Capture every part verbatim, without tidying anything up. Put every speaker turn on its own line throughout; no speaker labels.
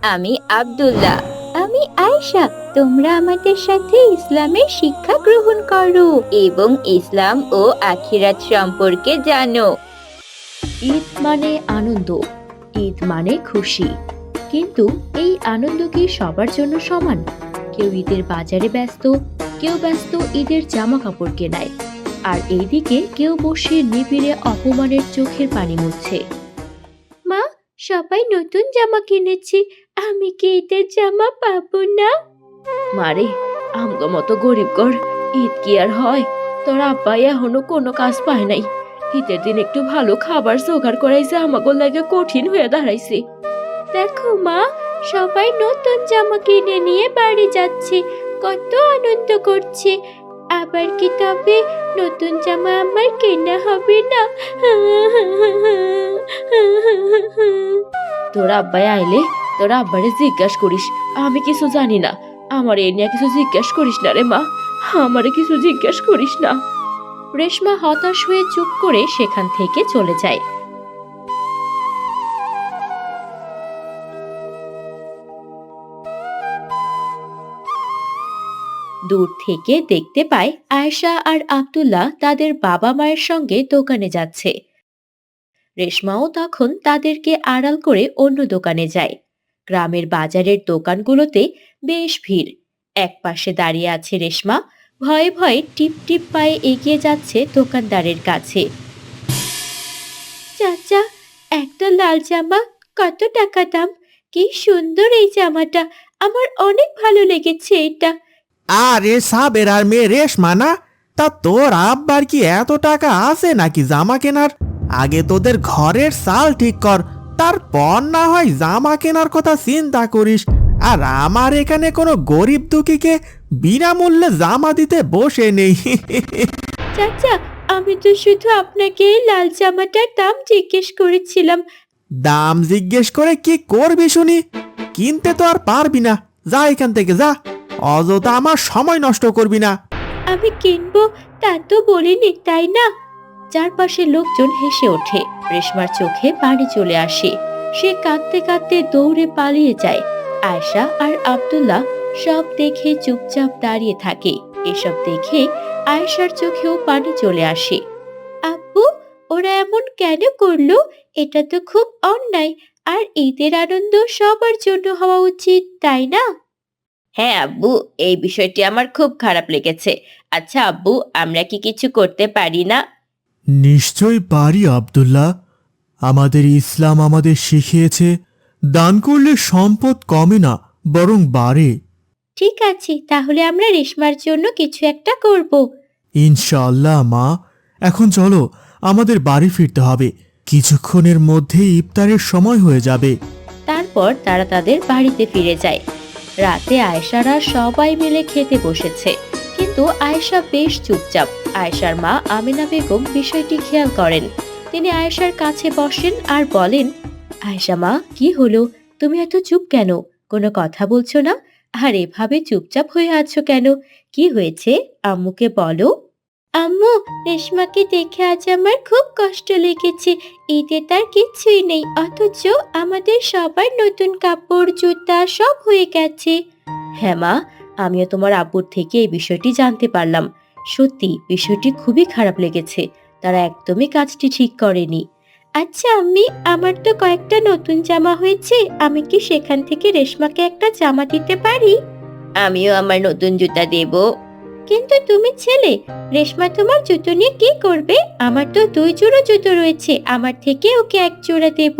আমি আব্দুল্লাহ। আমি আয়েশা। তোমরা আমাদের সাথে ইসলামের শিক্ষা গ্রহণ করো এবং ইসলাম ও আখিরাত সম্পর্কে জানো।
ঈদ মানে আনন্দ, ঈদ মানে খুশি। কিন্তু এই আনন্দ কি সবার জন্য সমান? কেউ ঈদের বাজারে ব্যস্ত, কেউ ব্যস্ত ঈদের জামা কাপড় কেনায়, আর এইদিকে কেউ বসে নিবিড়ে অপমানের চোখের পানি মুছছে। মা, সবাই নতুন জামা কিনেছি, আমি কি ঈদের জামা পাবো না? মারে, আমগো মতো গরিব ঘর ঈদ কি আর হয়? তোর আব্বাই এখনো কোনো কাজ পায় নাই। ঈদের দিন একটু ভালো খাবার জোগাড় করাইছে আমাগো লাগে কঠিন হয়ে দাঁড়াইছে। দেখো মা, সবাই নতুন জামা কিনে নিয়ে বাড়ি যাচ্ছে, কত আনন্দ করছে। আবার কি তবে নতুন জামা আমার কেনা হবে না? তোর আব্বাই আইলে তোর আব্বারে জিজ্ঞাসা করিস, আমি কিছু জানি না। আমার এ নিয়ে কিছু জিজ্ঞাসা করিস না রে মা, আমারে কিছু জিজ্ঞাসা করিস না। রেশমা হতাশ হয়ে চুপ করে সেখান থেকে চলে যায়। দূর থেকে দেখতে পায় আয়েশা আর আব্দুল্লাহ তাদের বাবা মায়ের সঙ্গে দোকানে যাচ্ছে। রেশমাও তখন তাদেরকে আড়াল করে অন্য দোকানে যায়। গ্রামের বাজারের দোকানগুলোতে বেশ ভিড়। একপাশে দাঁড়িয়ে আছে রেশমা, ভয়ে ভয়ে টিপ টিপ পায়ে এগিয়ে যাচ্ছে দোকানদারের কাছে। চাচা, একটা লাল জামা, কত টাকা দাম? কি সুন্দর এই জামাটা, আমার অনেক ভালো লেগেছে এটা।
আরে সাবের আর মেয়ে রেশমা না? তা তোর আব্বার কি এত টাকা আছে নাকি জামা কেনার? আগে তোদের ঘরের চাল ঠিক কর, তারপর না হয় জামা কেনার কথা চিন্তা করিস। আর আমার এখানে কোনো গরিব দুঃখীকে বিনামূল্যে জামা দিতে বসে নেই।
চাচা, আমি তো শুধু আপনাকে এই লাল জামাটার দাম জিজ্ঞেস করেছিলাম।
দাম জিজ্ঞেস করে কি করবি শুনি? কিনতে তো আর পারবি না, যা এখান থেকে যা, অযথা আমার সময় নষ্ট করবি না।
আমি কিনবো তা তো বলিনি, তাই না? চারপাশে লোকজন হেসে ওঠে। রেশমার চোখে পানি চলে আসে। সে কাঁদতে কাঁদতে দৌড়ে পালিয়ে যায়। আয়েশা আর আব্দুল্লাহ সব দেখে চুপচাপ দাঁড়িয়ে থাকে। এসব দেখে আয়েশার চোখেও পানি চলে আসে। আব্বু, ওরা এমন কেন করলো? এটা তো খুব অন্যায়। আর ঈদের আনন্দ সবার জন্য হওয়া উচিত, তাই না?
হ্যাঁ আব্বু, এই বিষয়টি আমার খুব খারাপ লেগেছে। আচ্ছা আব্বু, আমরা কি কিছু করতে পারি না?
নিশ্চয় পারি আব্দুল্লাহ। আমাদের ইসলাম আমাদের শিখিয়েছে, দান করলে সম্পদ কমে না, বরং বাড়ে।
ঠিক আছে, তাহলে আমরা রেশমার জন্য কিছু একটা করব।
ইনশাআল্লাহ মা। এখন চলো, আমাদের বাড়ি ফিরতে হবে। কিছুক্ষণের মধ্যেই ইফতারের সময় হয়ে যাবে।
তারপর তারা তাদের বাড়িতে ফিরে যায়। রাতে আয়েশারা সবাই মিলে খেতে বসেছে, কিন্তু আয়েশা বেশ চুপচাপ। আয়েশার মা আমিনা বেগম বিষয়টি খেয়াল করেন। তিনি আয়েশার কাছে বসেন আর বলেন, আয়েশা মা, কি হলো? তুমি এত চুপ কেন? কোনো কথা বলছো না? আর এভাবে চুপচাপ হয়ে আছো কেন? কি হয়েছে? আম্মুকে বলো। আম্মু, রেশমাকে দেখে আজ আমার খুব কষ্ট লেগেছে। ঈদে তার কিছুই নেই, অথচ আমাদের সবার নতুন কাপড় জুতা সব হয়ে গেছে। হ্যাঁ মা, আমিও তোমার আব্বুর থেকে এই বিষয়টি জানতে পারলাম। সত্যি বিষয়টি খুবই খারাপ লেগেছে। তারা একদমই কাজটি ঠিক করেনি। আচ্ছা আম্মি, আমার তো কয়েকটা নতুন জামা হয়েছে, আমি কি সেখান থেকে রেশমাকে একটা জামা দিতে পারি?
আমিও আমার নতুন জুতা দেব।
কিন্তু তুমি ছেলে, রেশমা তোমার জুতো নিয়ে কি করবে? আমার তো দুই জোড়া জুতো রয়েছে, আমার থেকে ওকে এক জোড়া দেব।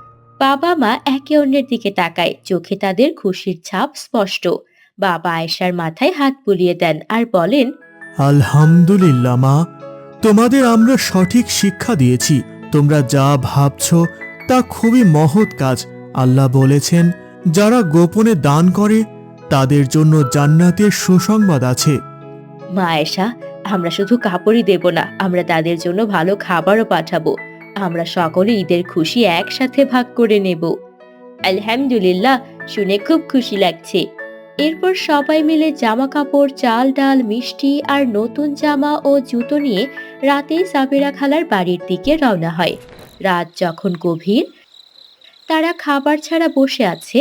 বাবা মা একে অন্যের দিকে তাকায়, চোখে তাদের খুশির ছাপ স্পষ্ট। বাবা আয়েশার মাথায় হাত বুলিয়ে দেন আর বলেন,
আলহামদুলিল্লাহ মা, তোমাদের আমরা সঠিক শিক্ষা দিয়েছি। তোমরা যা ভাবছো তা খুবই মহৎ কাজ। আল্লাহ বলেছেন, যারা গোপনে দান করে তাদের জন্য জান্নাতের সুসংবাদ আছে।
মা আয়েশা, আমরা শুধু কাপড়ই দেব না, আমরা তাদের জন্য ভালো খাবারও পাঠাবো। আমরা সকলে ঈদের খুশি একসাথে ভাগ করে নেব। আলহামদুলিল্লাহ, শুনে খুব খুশি লাগছে। এরপর সবাই মিলে জামা কাপড়, চাল ডাল, মিষ্টি আর নতুন জামা ও জুতো নিয়ে রাতে সাবেরা খালার বাড়ির দিকে রওনা হয়। রাত যখন গভীর, তারা খাবার ছাড়া বসে আছে।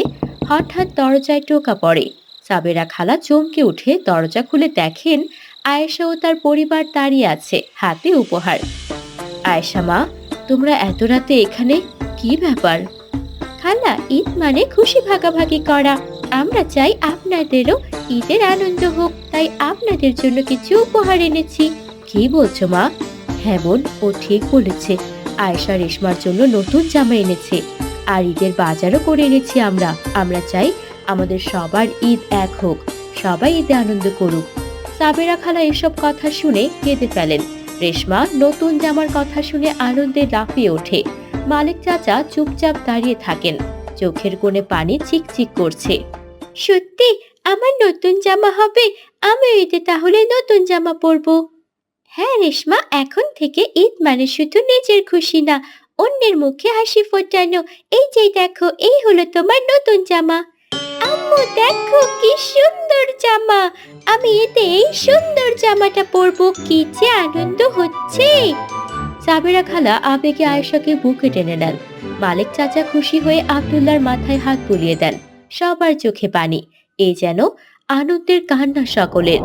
হঠাৎ দরজায় টোকা পড়ে। সাবেরা খালা চমকে উঠে দরজা খুলে দেখেন আয়েশা ও তার পরিবার দাঁড়িয়ে আছে, হাতে উপহার। আয়েশা মা, তোমরা এত রাতে এখানে, কি ব্যাপার? খালা, ঈদ মানে খুশি ভাগাভাগি করা। আমরা চাই আপনাদেরও ঈদের আনন্দ হোক, তাই আপনাদের জন্য কিছু উপহার এনেছি। কি বলছো মা? হ্যাঁ বোন, ও ঠিক বলেছে। আয়েশা রেশমার জন্য নতুন জামা এনেছে, আর ঈদের বাজারও করে এনেছি আমরা। আমরা চাই আমাদের সবার ঈদ এক হোক, সবাই ঈদে আনন্দ করুক। সাবেরা খালা এসব কথা শুনে কেঁদে ফেলেন। রেশমা নতুন জামার কথা শুনে আনন্দে লাফিয়ে ওঠে। মালিক চাচা চুপচাপ দাঁড়িয়ে থাকেন, চোখের কোণে পানি চিকচিক করছে। সত্যি আমার নতুন জামা হবে? আমি ঈদে তাহলে নতুন জামা পরবো। হ্যাঁ রেশমা, এখন থেকে ঈদ মানে শুধু নিজের খুশি না, অন্যের মুখে হাসি ফোটানো। এই যে দেখো, এই হলো তোমার নতুন জামা। আম্মু দেখো কি সুন্দর জামা, আমি এতে এই সুন্দর জামাটা পরবো। কি যে আনন্দ হচ্ছে। সাবেরা খালা আবেগে আয়েশাকে বুকে টেনে নেন। মালিক চাচা খুশি হয়ে আব্দুল্লাহর মাথায় হাত বুলিয়ে দেন। সবার চোখে পানি, এ যেন আনন্দের কান্না সকলের।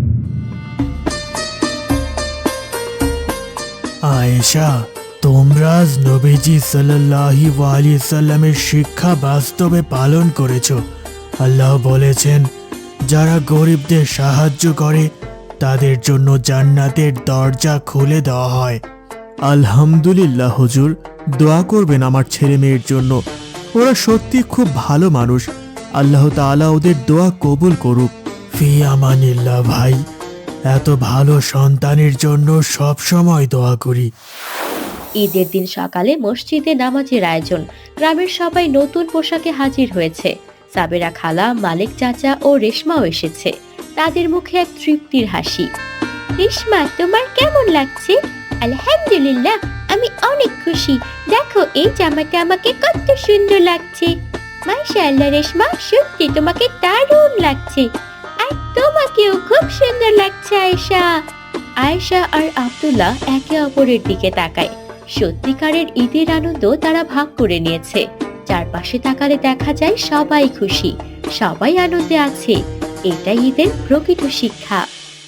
আয়েশা, তোমরা আজ নবীজি সাল্লাল্লাহু আলাইহি সাল্লামের শিক্ষা বাস্তবে পালন করেছো। আল্লাহ বলেছেন, যারা গরিবদের সাহায্য করে তাদের জন্য জান্নাতের দরজা খুলে দেওয়া হয়। আলহামদুলিল্লাহ হুজুর, দোয়া করবেন আমার ছেলে মেয়ের জন্য। ওরা সত্যি খুব ভালো মানুষ। আল্লাহ তাআলা ওদের দোয়া কবুল করুক। ফি আমানিল্লাহ ভাই, এত ভালো সন্তানের জন্য সব সময় দোয়া করি।
ঈদের দিন সকালে মসজিদে নামাজের আয়োজন। গ্রামের সবাই নতুন পোশাকে হাজির হয়েছে। সাবেরা খালা, মালিক চাচা ও রেশমাও এসেছে। তাদের মুখে এক তৃপ্তির হাসি। রেশমা, তোমার কেমন লাগছে? আলহামদুলিল্লাহ, আমি অনেক খুশি। দেখো এই জামাটা আমাকে কত সুন্দর লাগছে। মাশাআল্লাহ রেশমা, সত্যি তোমাকে দারুণ লাগছে। আর তোমাকেও খুব সুন্দর লাগছে আয়েশা। আয়েশা আর আব্দুল্লাহ একে অপরের দিকে তাকায়। সত্যিকারের ঈদের আনন্দ তারা ভাগ করে নিয়েছে। চারপাশে তাকালে দেখা যায় সবাই খুশি, সবাই আনন্দে আছে। এটাই ঈদের প্রকৃত শিক্ষা।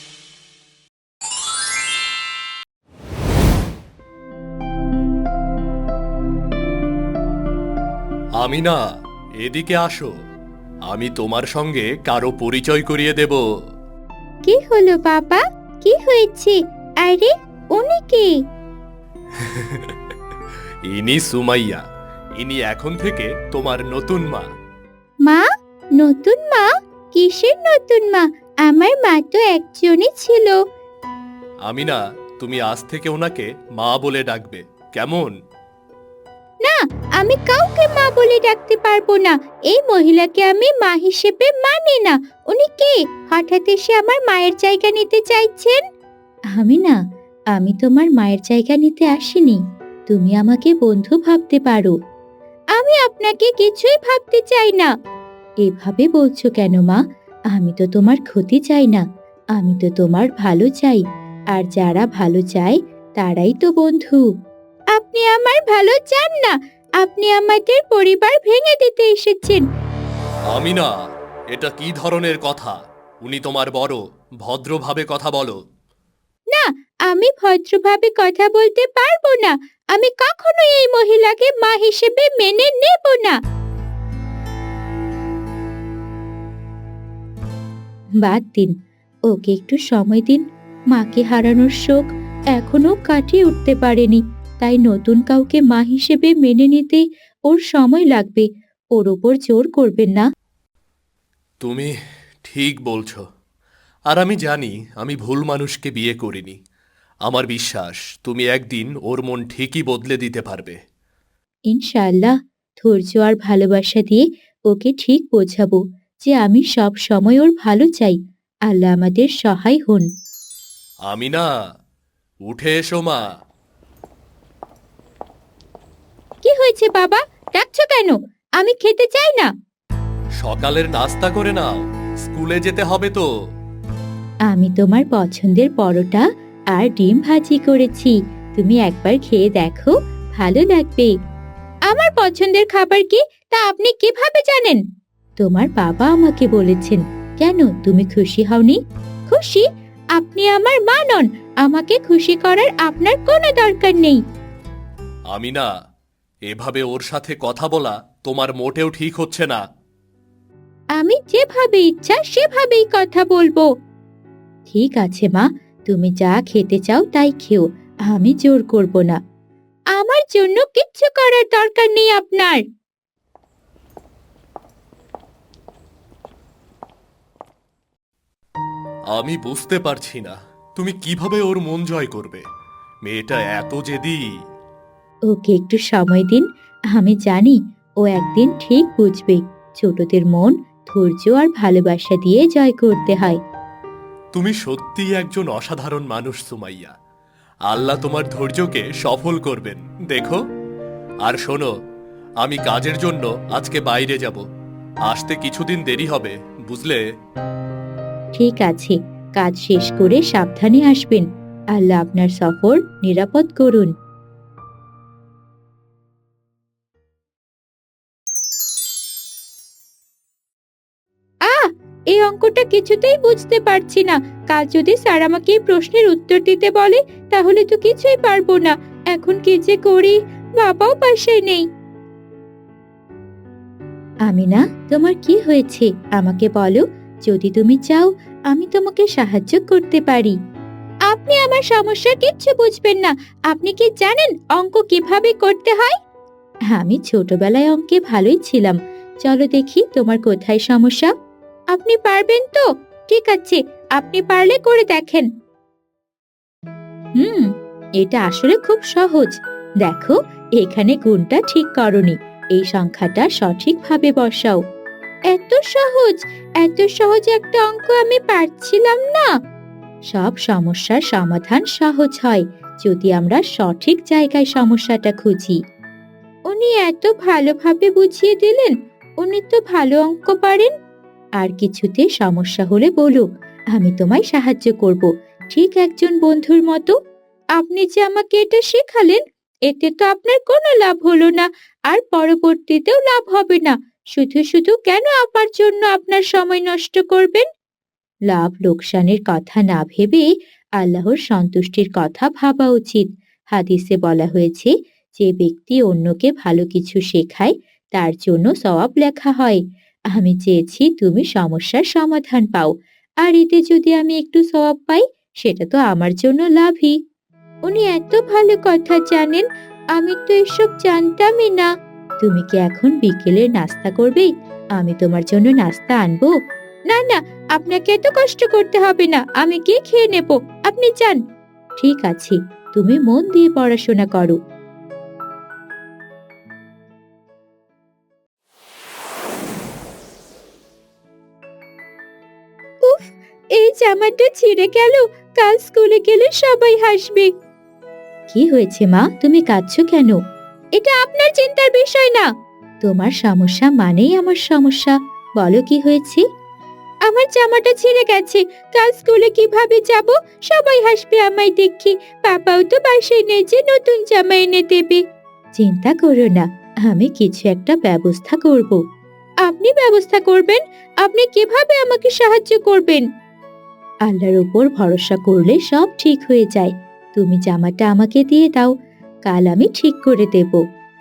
আমিনা, এদিকে আসো। আমি তোমার সঙ্গে কারো পরিচয় করিয়ে দেব।
কি হলো বাবা, কি হয়েছে? আরে উনি কে?
ইনি সুমাইয়া। ইনি এখন থেকে তোমার নতুন মা।
মা? নতুন মা? কিসের নতুন মা? আমার মা তো একজনই ছিল।
আমিনা, তুমি আজ থেকে ওনাকে মা বলে ডাকবে, কেমন?
না, আমি কাউকে মা বলে ডাকতে পারবো না। এই মহিলাকে আমি মা হিসেবে মানি না। উনি কে? হঠাৎ এসে আমার মায়ের জায়গা নিতে চাইছেন? আমি না, আমি তোমার মায়ের জায়গা নিতে আসিনি। তুমি আমাকে বন্ধু ভাবতে পারো। আমি আপনাকে কিছুই ভাবতে চাই না। এভাবে বলছো কেন মা? আমি তো তোমার ক্ষতি চাই না, আমি তো তোমার ভালো চাই। আর যারা ভালো চায় তারাই তো বন্ধু। আপনি আমার ভালো চান না, আপনি আমাদের পরিবার ভেঙে দিতে এসেছেন।
আমিনা, এটা কি ধরনের কথা? উনি তোমার বড়, ভদ্রভাবে কথা বলো।
না, আমি ভদ্রভাবে কথা বলতে পারবো না। আমি কখনো এই মহিলাকে মা হিসেবে মেনে নেব না। বাদ দিন, ওকে একটু সময় দিন। মাকে হারানোর শোক এখনো কাটিয়ে উঠতে পারেনি, তাই নতুন কাউকে মা হিসেবে মেনে নিতে ওর সময় লাগবে। ওর ওপর জোর করবেন না।
তুমি ঠিক বলছো। আর আমি জানি আমি ভুল মানুষকে বিয়ে করিনি। আমার বিশ্বাস তুমি একদিন ওর মন ঠিকই বদলে দিতে পারবে।
ইনশাআল্লাহ, ধৈর্য আর ভালোবাসা দিয়ে ওকে ঠিক বোঝাবো যে আমি সব সময় ওর ভালো চাই। আল্লাহ আমাদের সহায় হন।
আমিনা, উঠে এসো মা।
কি হয়েছে বাবা? ডাকছো কেন? আমি খেতে চাই না।
সকালের নাস্তা করে নাও, স্কুলে যেতে হবে তো।
আমি তোমার পছন্দের পরোটা আর ডিম ভাজি করেছি, তুমি একবার খেয়ে দেখো, ভালো লাগবে। আমার পছন্দের খাবার কি তা আপনি কিভাবে জানেন? তোমার বাবা আমাকে বলেছেন। কেন, তুমি খুশি হওনি? খুশি? আপনি আমার মা নন, আমাকে খুশি করার আপনার কোনো দরকার নেই।
আমি না, এভাবে ওর সাথে কথা বলা তোমার মোটেও ঠিক হচ্ছে না।
আমি যেভাবে ইচ্ছা সেভাবেই কথা বলবো। ঠিক আছে মা, তুমি যা খেতে চাও তাই খেও, আমি জোর করব না। আমার জন্য কিচ্ছু করার দরকার নেই আপনার।
আমি বুঝতে পারছি না তুমি কিভাবে ওর মন জয় করবে। মেয়েটা এত জেদি।
ওকে একটু সময় দিন, আমি জানি ও একদিন ঠিক বুঝবে। ছোটদের মন ধৈর্য আর ভালোবাসা দিয়ে জয় করতে হয়।
তুমি সত্যিই একজন অসাধারণ মানুষ সুমাইয়া। আল্লাহ তোমার ধৈর্যকে সফল করবেন, দেখো। আর শোনো, আমি কাজের জন্য আজকে বাইরে যাব, আসতে কিছুদিন দেরি হবে, বুঝলে?
ঠিক আছে, কাজ শেষ করে সাবধানে আসবেন। আল্লাহ আপনার সফর নিরাপদ করুন। আহ এই অঙ্কটা কিছুতেই বুঝতে পারছি না। কাল যদি স্যার আমাকে এই প্রশ্নের উত্তর দিতে বলে তাহলে তো কিছুই পারবো না। এখন কি যে করি, বাবাও পাশে নেই। আমিনা, তোমার কি হয়েছে আমাকে বলো। যদি তুমি চাও আমি তোমাকে সাহায্য করতে পারি। আপনি আমার সমস্যা কিচ্ছু বুঝবেন না। আপনি কি জানেন অঙ্ক কিভাবে করতে হয়? আমি ছোটবেলায় অঙ্কে ভালোই ছিলাম। চলো দেখি তোমার কোথায় সমস্যা। আপনি পারবেন তো? ঠিক আছে, আপনি পারলে করে দেখেন। হুম, এটা আসলে খুব সহজ। দেখো, এখানে গুণটা ঠিক করনি, এই সংখ্যাটা সঠিকভাবে বসাও। এত সহজ? এত সহজ একটা অঙ্ক আমি পারছিলাম না। সব সমস্যার সমাধান সহজ হয় যদি আমরা সঠিক জায়গায় সমস্যাটা খুঁজি। উনি এত ভালোভাবে বুঝিয়ে দিলেন। উনি তো ভালো অঙ্ক পারেন। আর কিছুতে সমস্যা হলে বলো, আমি তোমায় সাহায্য করব, ঠিক একজন বন্ধুর মতো। আপনি যে আমাকে এটা শেখালেন, এতে তো আপনার কোনো লাভ হলো না, আর পরবর্তীতেও লাভ হবে না। শুধু শুধু কেন আমার জন্য আপনার সময় নষ্ট করবেন? লাভ লোকসানের কথা না ভেবে আল্লাহর সন্তুষ্টির কথা ভাবা উচিত। হাদিসে বলা হয়েছে, যে ব্যক্তি অন্যকে ভালো কিছু শেখায় তার জন্য সওয়াব লেখা হয়। আমি চেয়েছি তুমি সমস্যার সমাধান পাও, আর এতে যদি আমি একটু সওয়াব পাই সেটা তো আমার জন্য লাভই। উনি এত ভালো কথা জানেন, আমি তো এসব জানতামই না। তুমি কি এখন বিকেলের নাস্তা করবে? আমি তোমার জন্য নাস্তা আনবো। না না, আপনাকে এত কষ্ট করতে হবে না, আমি গিয়ে খেয়ে নেব, আপনি যান। ঠিক আছে, তুমি মন দিয়ে পড়াশোনা করো। উফ, এই জামাটা ছিঁড়ে গেল, কাল স্কুলে গেলে সবাই হাসবে। কি হয়েছে মা, তুমি কাঁদছো কেন? এটা আপনার চিন্তার বিষয় না। তোমার সমস্যা মানেই আমার সমস্যা। বলো কি হয়েছে? আমার জামাটা ছিঁড়ে গেছে, কাল স্কুলে কিভাবে যাব? সবাই হাসবে আমায় দেখি। বাবাও তো বাসায় নেই যে নতুন জামা এনে দেবে। চিন্তা করো না, আমি কিছু একটা ব্যবস্থা করব। আপনি ব্যবস্থা করবেন? আপনি কিভাবে আমাকে সাহায্য করবেন? আল্লাহর উপর ভরসা করলে সব ঠিক হয়ে যায়। তুমি জামাটা আমাকে দিয়ে দাও, কাল আমি ঠিক করে দেব।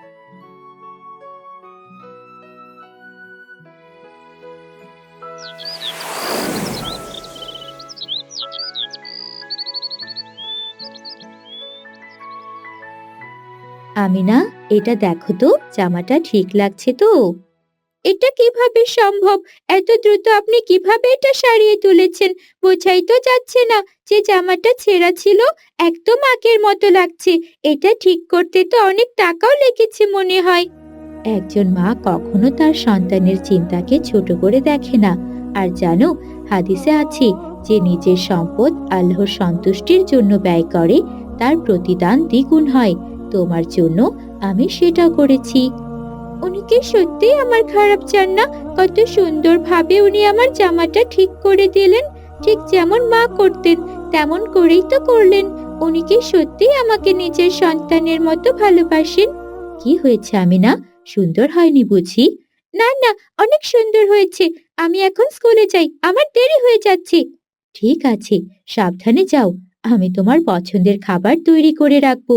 আমিনা, এটা দেখো তো, জামাটা ঠিক লাগছে তো? এটা কিভাবে সম্ভব? এত দ্রুত আপনি কিভাবে এটা সারিয়ে তুলেছেন? বোঝাই তো যাচ্ছে না যে জামাটা ছেঁড়া ছিল। একদম আগের মতো লাগছে। এটা ঠিক করতে তো অনেক টাকাও লেগেছে মনে হয়। একজন মা কখনো তার সন্তানের চিন্তাকে ছোট করে দেখে না। আর জানো, হাদিসে আছে, যে নিজের সম্পদ আল্লাহর সন্তুষ্টির জন্য ব্যয় করে তার প্রতিদান দ্বিগুণ হয়। তোমার জন্য আমি সেটা করেছি। উনি কি সত্যি আমার খারাপ চান না? কত সুন্দরভাবে উনি আমার জামাটা ঠিক করে দিলেন। ঠিক যেমন মা করতেন তেমন করেই তো করলেন। উনি কি সত্যি আমাকে নিজের সন্তানের মতো ভালোবাসেন? কি হয়েছে আমিনা, সুন্দর হয়নি বুঝি? না না, অনেক সুন্দর হয়েছে। আমি এখন স্কুলে যাই, আমার দেরি হয়ে যাচ্ছে। ঠিক আছে, সাবধানে যাও। আমি তোমার পছন্দের খাবার তৈরি করে রাখবো।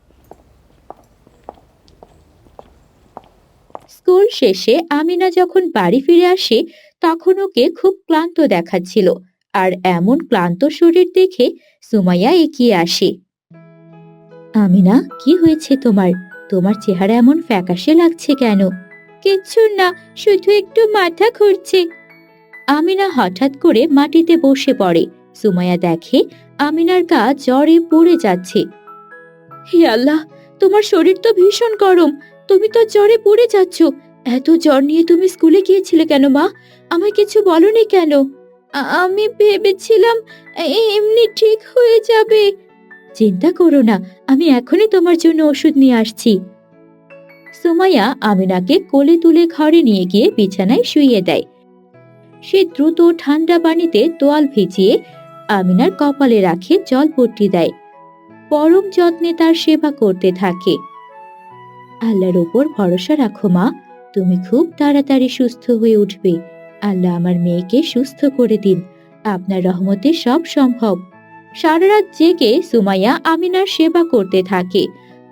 স্কুল শেষে আমিনা যখন বাড়ি ফিরে আসে তখন ওকে খুব ক্লান্ত দেখাচ্ছিল। আর এমন ক্লান্ত শরীর দেখে সুমাইয়া এগিয়ে আসে। আমিনা, কি হয়েছে তোমার? তোমার চেহারা এমন ফ্যাকাশে লাগছে কেন? কিচ্ছু না, শুধু একটু মাথা ঘুরছে। আমিনা হঠাৎ করে মাটিতে বসে পড়ে। সুমাইয়া দেখে আমিনার গা জ্বরে পড়ে যাচ্ছে। হে আল্লাহ, তোমার শরীর তো ভীষণ গরম, তুমি তো জ্বরে পড়ে যাচ্ছ। এত জ্বর নিয়ে তুমি স্কুলে গিয়েছিলে কেন মা? আমায় কিছু বলনি কেন? আ- আমি ভেবেছিলাম এ- এমনি ঠিক হয়ে যাবে। চিন্তা করো না, আমি এখনই তোমার জন্য ওষুধ নিয়ে আসছি। সুমাইয়া আমিনাকে কোলে তুলে ঘরে নিয়ে গিয়ে বিছানায় শুইয়ে দেয়। সে দ্রুত ঠান্ডা পানিতে তোয়াল ভিজিয়ে আমিনার কপালে রাখে জলপট্টি দেয়। পরম যত্নে তার সেবা করতে থাকে। আল্লাহর ওপর ভরসা রাখো মা, তুমি খুব তাড়াতাড়ি সুস্থ হয়ে উঠবে। আল্লাহ আমার মেয়েকে সুস্থ করে দিন, আপনার রহমতে সব সম্ভব। সারা রাত জেগে সুমাইয়া আমিনার সেবা করতে থাকে।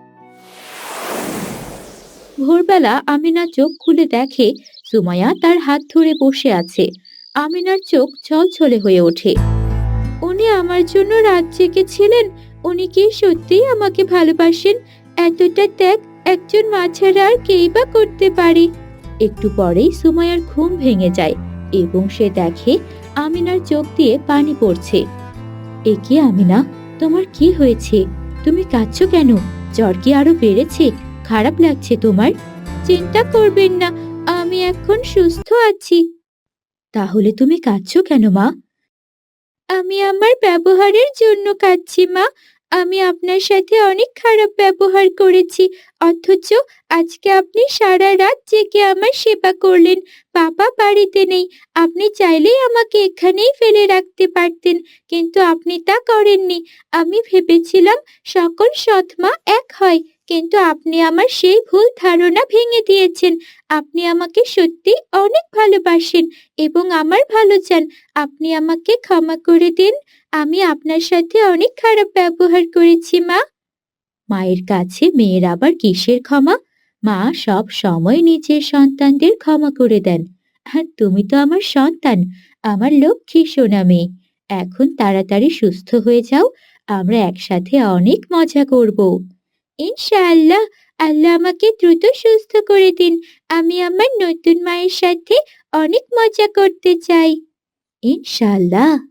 ভোরবেলা আমিনা চোখ খুলে দেখে সুমাইয়া তার হাত ধরে বসে আছে। আমিনার চোখ ছলছলে হয়ে ওঠে। উনি আমার জন্য রাত জেগেছিলেন? উনি কি সত্যিই আমাকে ভালোবাসেন? এতটা ত্যাগ একজন মা ছাড়া আর কেই বা করতে পারে? একটু পরেই সুমাইয়ার ঘুম ভেঙে যায় এবং সে দেখে আমিনার চোখ দিয়ে পানি পড়ছে। এ কি আমিনা, তোমার কি হয়েছে? তুমি কাঁদছো কেন? জ্বর কি আরো বেড়েছে? খারাপ লাগছে তোমার? চিন্তা করবেন না, আমি এখন সুস্থ আছি। তাহলে তুমি কাঁদছো কেন মা? আমি আমার ব্যবহারের জন্য কাঁদছি মা। আমি আপনার সাথে অনেক খারাপ ব্যবহার করেছি, অথচ আজকে আপনি সারা রাত জেগে আমার সেবা করলেন। বাবা বাড়িতে নেই, আপনি চাইলেই আমাকে এখানেই ফেলে রাখতে পারতেন, কিন্তু আপনি তা করেননি। আমি ভেবেছিলাম সকল সৎ মা এক হয়, কিন্তু আপনি আমার সেই ভুল ধারণা ভেঙে দিয়েছেন। আপনি আমাকে সত্যি অনেক ভালোবাসেন এবং আমার ভালো চান। আপনি আমাকে ক্ষমা করে দিন, আমি আপনার সাথে অনেক খারাপ ব্যবহার করেছি মা। মায়ের কাছে মেয়ের আবার কিসের ক্ষমা? মা সব সময় নিজের সন্তানদের ক্ষমা করে দেন। আর তুমি তো আমার সন্তান, আমার লক্ষ্মী সোনা মেয়ে। এখন তাড়াতাড়ি সুস্থ হয়ে যাও, আমরা একসাথে অনেক মজা করব। ইনশাআল্লাহ, আল্লাহ আমাকে দ্রুত সুস্থ করে দিন। আমি আমার নতুন মায়ের সাথে অনেক মজা করতে চাই। ইনশাআল্লাহ।